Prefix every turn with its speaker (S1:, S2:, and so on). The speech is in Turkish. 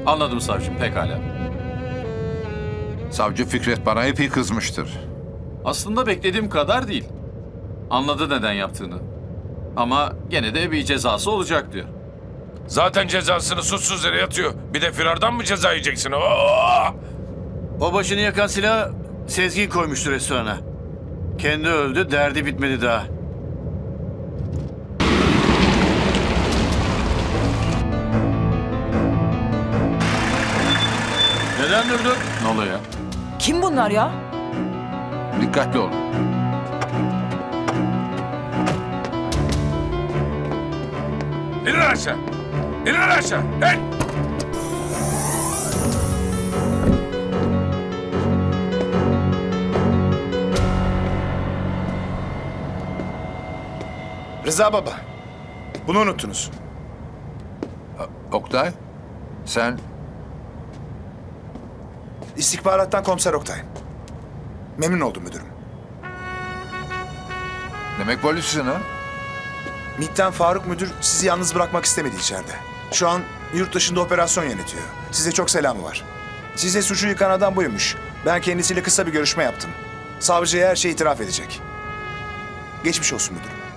S1: Anladım savcım, pekala.
S2: Savcı Fikret bana epey kızmıştır.
S1: Aslında beklediğim kadar değil. Anladı neden yaptığını. Ama gene de bir cezası olacak diyor.
S3: Zaten cezasını suçsuz yere yatıyor. Bir de firardan mı ceza yiyeceksin? Oo!
S4: O başını yakan silahı Sezgin koymuştu restorana. Kendi öldü, derdi bitmedi daha. Neden durdun?
S1: Ne oluyor ya?
S5: Kim bunlar ya?
S2: Dikkatli olun.
S3: İnin aşağı! İnin aşağı! İn!
S6: Rıza baba, bunu unuttunuz.
S2: Oktay, sen
S6: İstihbarattan Komiser Oktay. Memnun oldum müdürüm.
S2: demek polissin ha?
S6: MİT'ten Faruk müdür sizi yalnız bırakmak istemedi içeride. Şu an yurt dışında operasyon yönetiyor. Size çok selamı var. Size suçu yıkan adam buymuş. Ben kendisiyle kısa bir görüşme yaptım. Savcıya her şeyi itiraf edecek. Geçmiş olsun müdürüm.